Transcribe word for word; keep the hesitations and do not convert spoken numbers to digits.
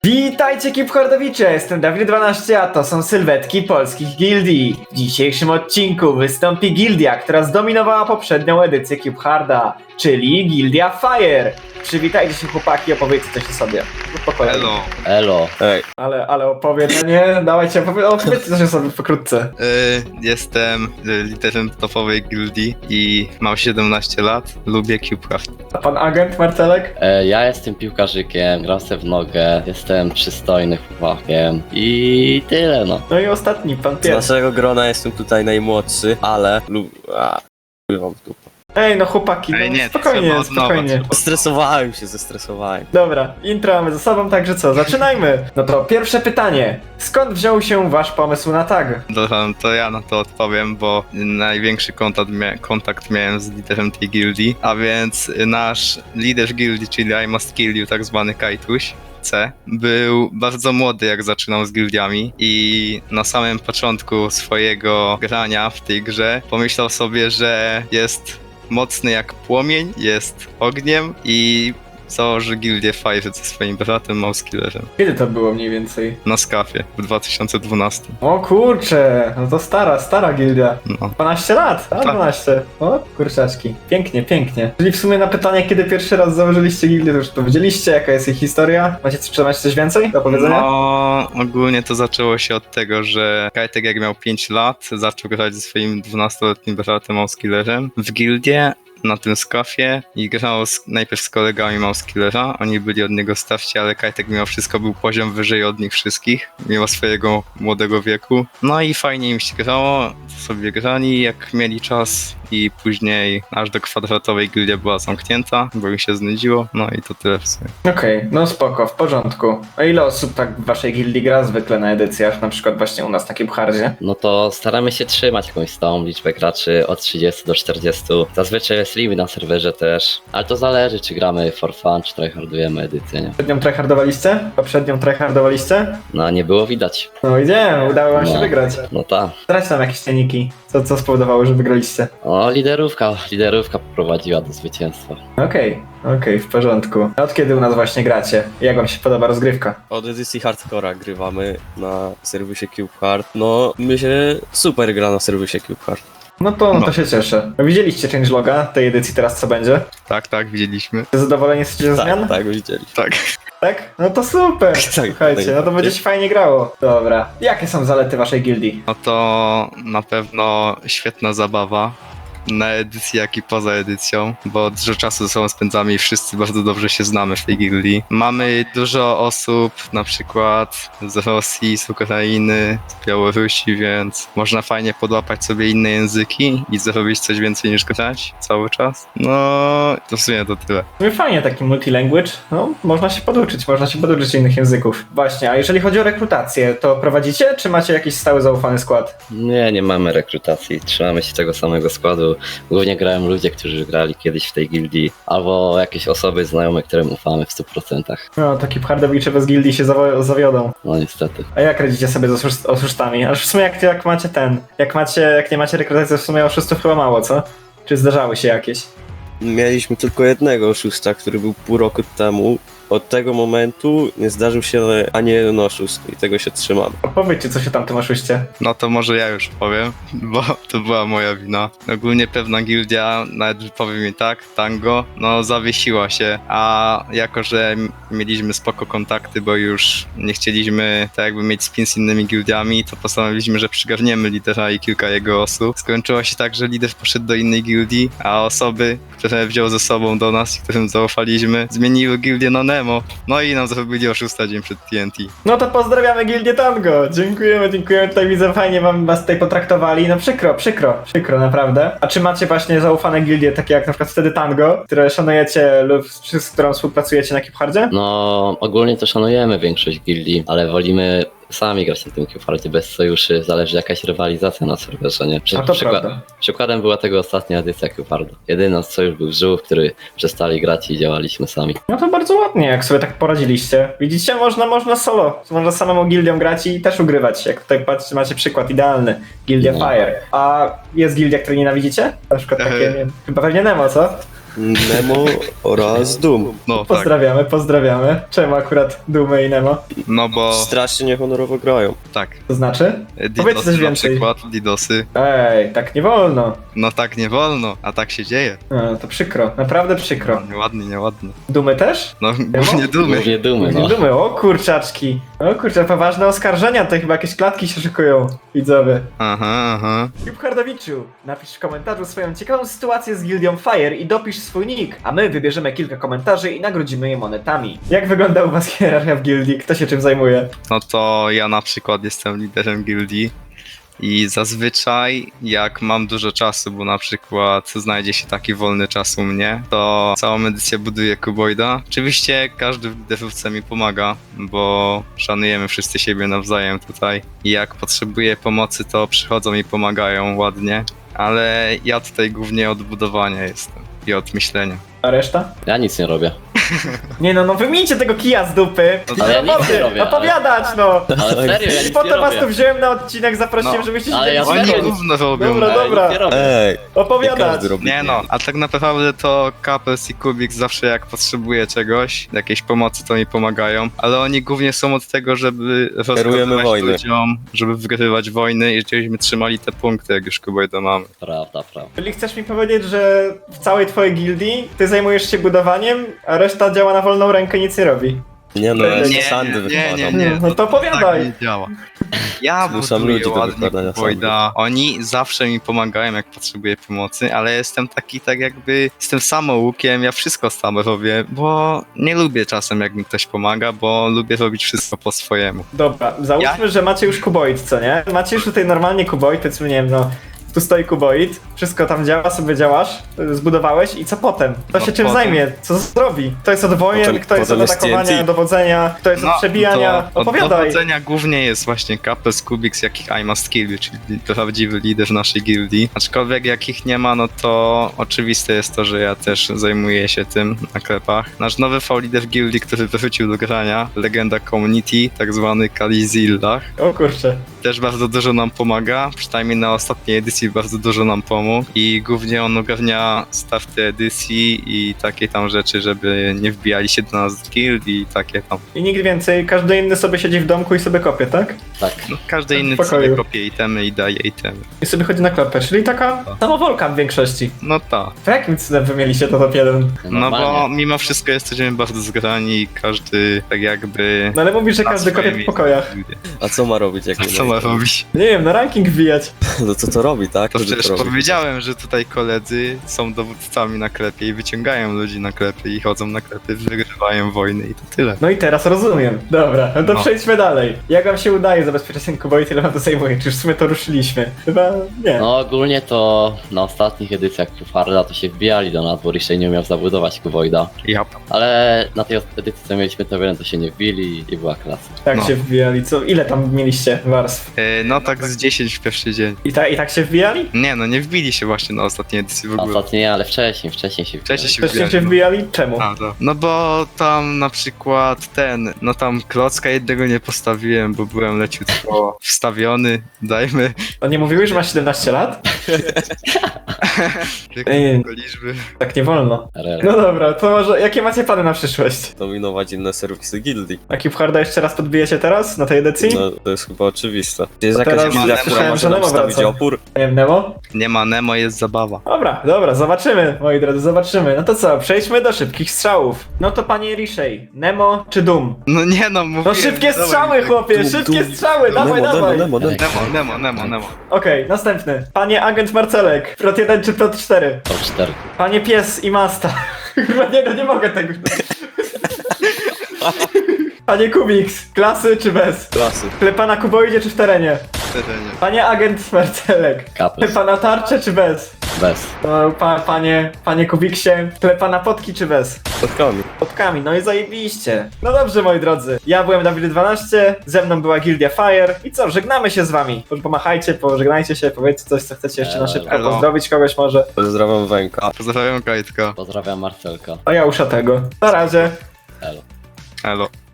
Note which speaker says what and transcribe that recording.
Speaker 1: Witajcie Cubhardowicze, jestem Dawid dwanaście, a to są sylwetki polskich gildii. W dzisiejszym odcinku wystąpi gildia, która zdominowała poprzednią edycję Cubharda, czyli Gildia Fire. Przywitajcie się chłopaki, opowiedzcie coś o sobie. Spokojnie.
Speaker 2: Elo.
Speaker 3: Elo.
Speaker 2: Ej.
Speaker 1: Ale, ale opowiedzenie, dawajcie, opowie opowiedzcie coś o sobie pokrótce.
Speaker 2: Y, jestem y, liderem topowej gildii i mam siedemnaście lat. Lubię Cubehard.
Speaker 1: A pan agent Marcelek?
Speaker 3: E, ja jestem piłkarzykiem, gram se w nogę, jestem przystojnym chłopakiem i tyle no.
Speaker 1: No i ostatni, pan
Speaker 4: Z
Speaker 1: pierwszy.
Speaker 4: naszego grona jestem tutaj najmłodszy, ale lub... A, wam w dupę.
Speaker 1: Ej, no chłopaki, no
Speaker 2: Ej, nie, to
Speaker 1: spokojnie,
Speaker 2: trzeba od nowa,
Speaker 1: spokojnie.
Speaker 2: trzeba.
Speaker 4: Stresowałem się, zestresowałem.
Speaker 1: Dobra, intro mamy za sobą, także co, zaczynajmy! No to pierwsze pytanie. Skąd wziął się wasz pomysł na tag?
Speaker 2: Dobra, to ja na to odpowiem, bo największy kontakt, mia kontakt miałem z liderem tej gildii, a więc nasz lider gildii, czyli I Must Kill You, tak zwany Kajtuś, C, był bardzo młody, jak zaczynał z gildiami i na samym początku swojego grania w tej grze pomyślał sobie, że jest mocny jak płomień, jest ogniem i założy gildię Fire ze swoim bratem Mousekillerem
Speaker 1: Kiedy to było mniej więcej?
Speaker 2: na skafie w dwa tysiące dwunastym.
Speaker 1: O kurcze, no to stara, stara gildia.
Speaker 2: No.
Speaker 1: dwanaście lat, a
Speaker 2: Tak.
Speaker 1: dwanaście. O kurczaczki. Pięknie, pięknie. Czyli w sumie na pytanie, kiedy pierwszy raz założyliście gildię, to już powiedzieliście, jaka jest ich historia. Macie, czy macie coś więcej do powiedzenia?
Speaker 2: No, ogólnie to zaczęło się od tego, że Kajtek jak miał pięć lat, zaczął grać ze swoim dwunastoletnim bratem Mousekillerem w gildię na tym skafie i grał z, najpierw z kolegami Mousekillera. Oni byli od niego starsi, ale Kajtek mimo wszystko był poziom wyżej od nich wszystkich, mimo swojego młodego wieku. No i fajnie im się grało, sobie grali jak mieli czas i później aż do kwadratowej gildia była zamknięta, bo im się znudziło. No i to tyle w sumie.
Speaker 1: Okej, no spoko, w porządku. A ile osób tak w waszej gildii gra zwykle na edycjach, na przykład właśnie u nas na Cubhardzie?
Speaker 3: No to staramy się trzymać jakąś stałą liczbę graczy od trzydziestu do czterdziestu. Zazwyczaj jest limit na serwerze też, ale to zależy czy gramy for fun, czy tryhardujemy edycję, nie?
Speaker 1: Poprzednią tryhardowaliście? Poprzednią tryhardowaliście?
Speaker 3: No nie było widać.
Speaker 1: No idziemy, udało wam się
Speaker 3: No.
Speaker 1: wygrać.
Speaker 3: No tak.
Speaker 1: Zdradź nam jakieś cienniki. Co, co spowodowało, że wygraliście?
Speaker 3: O, liderówka, liderówka poprowadziła do zwycięstwa.
Speaker 1: Okej, okej, w porządku. A od kiedy u nas właśnie gracie? Jak wam się podoba rozgrywka?
Speaker 4: Od edycji hardcora grywamy na serwisie Cubehard. No, my się super gra na serwisie Cubehard.
Speaker 1: No to, no
Speaker 2: No.
Speaker 1: to się cieszę. Widzieliście changeloga tej edycji teraz co będzie?
Speaker 2: Tak, tak, widzieliśmy.
Speaker 1: Zadowoleni jesteście ze zmian?
Speaker 4: Tak, tak, widzieli.
Speaker 2: Tak.
Speaker 1: Tak? No to super!
Speaker 4: Tak,
Speaker 1: Słuchajcie, no to będzie się fajnie grało. Dobra. Jakie są zalety waszej gildii?
Speaker 2: No to na pewno świetna zabawa na edycji, jak i poza edycją, bo dużo czasu ze sobą spędzamy i wszyscy bardzo dobrze się znamy w tej gildii. Mamy dużo osób, na przykład z Rosji, z Ukrainy, z Białorusi, więc można fajnie podłapać sobie inne języki i zrobić coś więcej niż grać cały czas. No, to w sumie to tyle.
Speaker 1: W sumie fajnie taki multilanguage. No, można się poduczyć, można się poduczyć innych języków. Właśnie, a jeżeli chodzi o rekrutację, to prowadzicie, czy macie jakiś stały zaufany skład?
Speaker 3: Nie, nie mamy rekrutacji, trzymamy się tego samego składu. Głównie grają ludzie, którzy grali kiedyś w tej gildii, albo jakieś osoby znajome, którym ufamy w stu procentach.
Speaker 1: No, taki Cubhardowicze bez gildii się zawo- zawiodą.
Speaker 3: No niestety.
Speaker 1: A jak radzicie sobie z oszust- oszustami? Aż w sumie jak, jak macie ten, jak macie, jak nie macie rekrutacji, w sumie oszustów chyba mało, co? Czy zdarzały się jakieś?
Speaker 4: Mieliśmy tylko jednego oszusta, który był pół roku temu. Od tego momentu nie zdarzył się ani jeden oszust i tego się trzymamy.
Speaker 1: Opowiedzcie, co się tam tym oszuście.
Speaker 2: No to może ja już powiem, bo to była moja wina. Ogólnie pewna gildia, nawet powiem mi tak, Tango, no zawiesiła się, a jako, że m- mieliśmy spoko kontakty, bo już nie chcieliśmy tak jakby mieć spin z innymi gildiami, to postanowiliśmy, że przygarniemy lidera i kilka jego osób. Skończyło się tak, że lider poszedł do innej gildii, a osoby, które wziął ze sobą do nas i którym zaufaliśmy, zmieniły gildię na Nemo. No i nam zrobili oszusta dzień przed T N T.
Speaker 1: No to pozdrawiamy Gildię Tango! Dziękujemy, dziękujemy, tutaj widzę, fajnie wam was tutaj potraktowali. No przykro, przykro, przykro naprawdę. A czy macie właśnie zaufane gildie, takie jak na przykład wtedy Tango, które szanujecie lub z, z którą współpracujecie na Cubhardzie?
Speaker 3: No ogólnie to szanujemy większość gildii, ale wolimy sami grać na tym Cubhardzie bez sojuszy, zależy jakaś rywalizacja na serwerze, nie? Przy,
Speaker 1: A to
Speaker 3: przykład,
Speaker 1: prawda.
Speaker 3: przykładem była tego ostatnia edycja Cubarda. Jedyny sojusz był Żółw, który przestali grać i działaliśmy sami.
Speaker 1: No to bardzo ładnie, jak sobie tak poradziliście. Widzicie, można, można solo, można samą gildią grać i też ugrywać. Jak tutaj patrzcie, macie przykład idealny. Gildia
Speaker 3: No.
Speaker 1: Fire. A jest gildia, której nienawidzicie? Na przykład takie, nie wiem, chyba pewnie Nemo, co?
Speaker 4: Nemo oraz Doom.
Speaker 2: No tak,
Speaker 1: Pozdrawiamy, pozdrawiamy. Czemu akurat Dumy i Nemo?
Speaker 2: no bo
Speaker 4: Strasznie niehonorowo grają.
Speaker 2: tak.
Speaker 1: To znaczy? Powiedz
Speaker 2: Didosy
Speaker 1: coś
Speaker 2: na
Speaker 1: więcej.
Speaker 2: przykład, Didosy.
Speaker 1: Ej, tak nie wolno.
Speaker 2: No tak nie wolno, a tak się dzieje.
Speaker 1: No, to przykro, naprawdę przykro.
Speaker 2: Nieładnie, nieładnie.
Speaker 1: Dumy też?
Speaker 2: No głównie dumy.
Speaker 3: Głównie dumy,
Speaker 1: Nie
Speaker 3: no.
Speaker 1: dumy, o kurczaczki. O kurczę, poważne oskarżenia, to chyba jakieś klatki się szykują, widzowie.
Speaker 2: Aha, aha.
Speaker 1: Hardowiczu, napisz w komentarzu swoją ciekawą sytuację z Gildią Fire i dopisz swój nick, a my wybierzemy kilka komentarzy i nagrodzimy je monetami. Jak wygląda u was hierarchia w gildii? Kto się czym zajmuje?
Speaker 2: No to ja na przykład jestem liderem gildii i zazwyczaj jak mam dużo czasu, bo na przykład znajdzie się taki wolny czas u mnie, to całą edycję buduję kuboida. Oczywiście każdy w liderówce mi pomaga, bo szanujemy wszyscy siebie nawzajem tutaj i jak potrzebuję pomocy, to przychodzą i pomagają ładnie, ale ja tutaj głównie od budowania jestem i od myślenia.
Speaker 1: A reszta?
Speaker 3: Ja nic nie robię.
Speaker 1: Nie no, no wymińcie tego kija z dupy!
Speaker 3: Ale ja nic
Speaker 1: Roboty,
Speaker 3: nie robię,
Speaker 1: opowiadać no!
Speaker 3: Ale serio, ja nic
Speaker 1: Po
Speaker 3: nie
Speaker 1: to was tu
Speaker 3: robię.
Speaker 1: wziąłem na odcinek, zaprosiłem,
Speaker 2: No,
Speaker 1: żebyście się
Speaker 3: ale
Speaker 1: dzieli
Speaker 3: ja
Speaker 1: z
Speaker 2: Oni
Speaker 3: serio
Speaker 1: nimi.
Speaker 2: gówno robią.
Speaker 1: Dobra,
Speaker 3: Ale
Speaker 1: dobra.
Speaker 3: nic nie robię.
Speaker 4: Ej, nie
Speaker 1: Opowiadać!
Speaker 4: każdy robi.
Speaker 2: Nie no, a tak naprawdę to Kapels i Kubik zawsze jak potrzebuję czegoś, jakiejś pomocy, to mi pomagają, ale oni głównie są od tego, żeby rozkazywać
Speaker 4: wojny.
Speaker 2: ludziom, żeby wygrywać wojny i żebyśmy trzymali te punkty, jak już Kubojda mamy.
Speaker 3: Prawda, prawda.
Speaker 1: Czyli chcesz mi powiedzieć, że w całej twojej gildii ty zajmujesz się budowaniem, a reszta działa na wolną rękę i nic nie robi?
Speaker 4: Nie no, ja
Speaker 1: Nie,
Speaker 4: z sandy
Speaker 2: nie, nie,
Speaker 4: wypadam.
Speaker 2: nie.
Speaker 1: No to
Speaker 2: Tak
Speaker 1: opowiadaj!
Speaker 2: nie działa. Ja
Speaker 4: Zmuszam
Speaker 2: buduję
Speaker 4: ludzi do
Speaker 2: ładnie
Speaker 4: wykładania
Speaker 2: Kubojda, oni zawsze mi pomagają, jak potrzebuję pomocy, ale jestem taki tak jakby, jestem samoukiem, ja wszystko sam robię, bo nie lubię czasem, jak mi ktoś pomaga, bo lubię robić wszystko po swojemu.
Speaker 1: Dobra, załóżmy, że macie już kuboid, co nie? Macie już tutaj normalnie kuboid, powiedzmy, nie wiem, no... Tu stoi kuboid, wszystko tam działa, sobie działasz, y, zbudowałeś i co potem? Kto
Speaker 2: No
Speaker 1: się czym
Speaker 2: potem-
Speaker 1: zajmie? Co zrobi? Kto jest od wojen,
Speaker 4: Potem-
Speaker 1: kto jest od
Speaker 4: potem jest
Speaker 1: atakowania,
Speaker 4: T N T.
Speaker 1: dowodzenia, kto jest od przebijania?
Speaker 2: to od
Speaker 1: Opowiadaj!
Speaker 2: dowodzenia głównie jest właśnie Kapels, Kubik, jakich I must kill, czyli prawdziwy lider naszej gildii. Aczkolwiek jak ich nie ma, no to oczywiste jest to, że ja też zajmuję się tym na klepach. Nasz nowy V-lider gildii, który wrócił do grania, legenda community, tak zwany Kalizillah,
Speaker 1: O kurczę.
Speaker 2: też bardzo dużo nam pomaga, przynajmniej na ostatniej edycji bardzo dużo nam pomógł i głównie on ogarnia starty edycji i takie tam rzeczy, żeby nie wbijali się do nas z guild i takie tam.
Speaker 1: I nikt więcej, każdy inny sobie siedzi w domku i sobie kopie, tak?
Speaker 3: Tak.
Speaker 2: No, każdy inny
Speaker 1: pokoju.
Speaker 2: sobie kopie itemy i daje itemy.
Speaker 1: I sobie chodzi na klapę, czyli taka samowolka w większości.
Speaker 2: No tak.
Speaker 1: To jakim cudem wy mieliście to top jeden?
Speaker 2: No bo
Speaker 3: Normalnie.
Speaker 2: mimo wszystko jesteśmy bardzo zgrani i każdy tak jakby...
Speaker 1: No ale mówisz, że
Speaker 2: na
Speaker 1: każdy
Speaker 2: swoje
Speaker 1: kopie w
Speaker 2: miejsce
Speaker 1: pokojach.
Speaker 2: idzie.
Speaker 4: A co ma robić, jak
Speaker 2: A
Speaker 4: nie
Speaker 2: co ma robić?
Speaker 1: Nie wiem, na ranking wbijać.
Speaker 4: No to co robi, tak?
Speaker 2: To
Speaker 4: Żeby
Speaker 2: przecież
Speaker 4: robić?
Speaker 2: powiedziałem, że tutaj koledzy są dowódcami na klepie i wyciągają ludzi na klepy i chodzą na klepy, wygrywają wojny i to tyle.
Speaker 1: No i teraz rozumiem. Dobra, no to
Speaker 2: No.
Speaker 1: przejdźmy dalej. Jak wam się udaje zabezpieczać ten kuboid, ile wam to zajmuje? Czy już w sumie to ruszyliśmy? Chyba nie.
Speaker 3: No ogólnie to na ostatnich edycjach Harda to się wbijali do nas, bo Rishi nie umiał zabudować kuboida.
Speaker 2: Ja.
Speaker 3: Ale na tej edycji co mieliśmy to jeden, to się nie wbili i była klasa.
Speaker 1: Tak
Speaker 2: no.
Speaker 1: się wbijali, co? Ile tam mieliście warstw?
Speaker 2: E, No tak z dziesięć w pierwszy dzień.
Speaker 1: I, ta, I tak się wbijali?
Speaker 2: Nie no, nie wbili się właśnie na ostatniej edycji w
Speaker 3: A
Speaker 2: ogóle.
Speaker 3: ostatnio nie, ale wcześniej, wcześniej się wbijali.
Speaker 2: Wcześniej się
Speaker 1: Też się
Speaker 2: wbijali, no.
Speaker 1: wbijali? Czemu?
Speaker 2: A, to. No bo tam na przykład ten, no tam klocka jednego nie postawiłem, bo byłem leciutko wstawiony, dajmy
Speaker 1: A nie mówiłeś, że masz siedemnaście lat? Ej.
Speaker 2: tylko liczby.
Speaker 1: Tak nie wolno.
Speaker 3: R R.
Speaker 1: No dobra, to może jakie macie plany na przyszłość?
Speaker 4: Dominować inne serwisy gildii.
Speaker 1: A Cube jeszcze raz podbijecie teraz, na tej edycji?
Speaker 4: No to jest chyba oczywiste. Jest
Speaker 1: teraz
Speaker 4: jakaś gildia, która
Speaker 1: słyszałem,
Speaker 4: może
Speaker 1: że
Speaker 4: nam
Speaker 1: Nemo
Speaker 4: stawić
Speaker 1: wraca.
Speaker 4: opór?
Speaker 1: Nie wiem, Nemo?
Speaker 2: Nie ma Nemo, jest zabawa.
Speaker 1: Dobra, dobra, zobaczymy, moi drodzy, zobaczymy. No to co, przejdźmy do szybkich strzałów. No to panie Rishi, Nemo czy Doom?
Speaker 2: No nie no,
Speaker 1: No
Speaker 2: mówiłem.
Speaker 1: szybkie
Speaker 2: dawaj,
Speaker 1: strzały,
Speaker 2: tak.
Speaker 1: chłopie,
Speaker 4: Doom,
Speaker 1: szybkie
Speaker 4: Doom.
Speaker 1: strzały, dawaj,
Speaker 4: Nemo,
Speaker 1: dawaj.
Speaker 4: Nemo, Nemo, Nemo.
Speaker 2: Nemo, Nemo, Nemo, Nemo.
Speaker 1: Okej, następny. Panie agent Marcelek, plot jeden czy plot cztery?
Speaker 3: Top cztery.
Speaker 1: Panie pies i masta. Chyba nie, no nie mogę tego. Panie Kubiks, klasy czy bez?
Speaker 4: Klasy.
Speaker 1: Klepa na kuboidzie czy w terenie?
Speaker 2: Terenie.
Speaker 1: Panie agent Marcelek,
Speaker 3: Kapels.
Speaker 1: klepa na tarczę czy bez?
Speaker 3: Bez.
Speaker 1: No, pa, panie, panie Kubiksie, klepa na potki czy bez?
Speaker 4: Spotkami.
Speaker 1: Potkami, no i zajebiście. No dobrze, moi drodzy, ja byłem Dawid dwanaście, ze mną była Gildia Fire i co, żegnamy się z wami. Pomachajcie, pożegnajcie się, powiedzcie coś, co chcecie jeszcze na szybko,
Speaker 2: Elo.
Speaker 1: pozdrowić kogoś może.
Speaker 4: Pozdrawiam Węka.
Speaker 2: Pozdrawiam Kajtka.
Speaker 3: Pozdrawiam Marcelka.
Speaker 1: A ja usza tego. Na razie.
Speaker 3: Elo.
Speaker 2: Elo.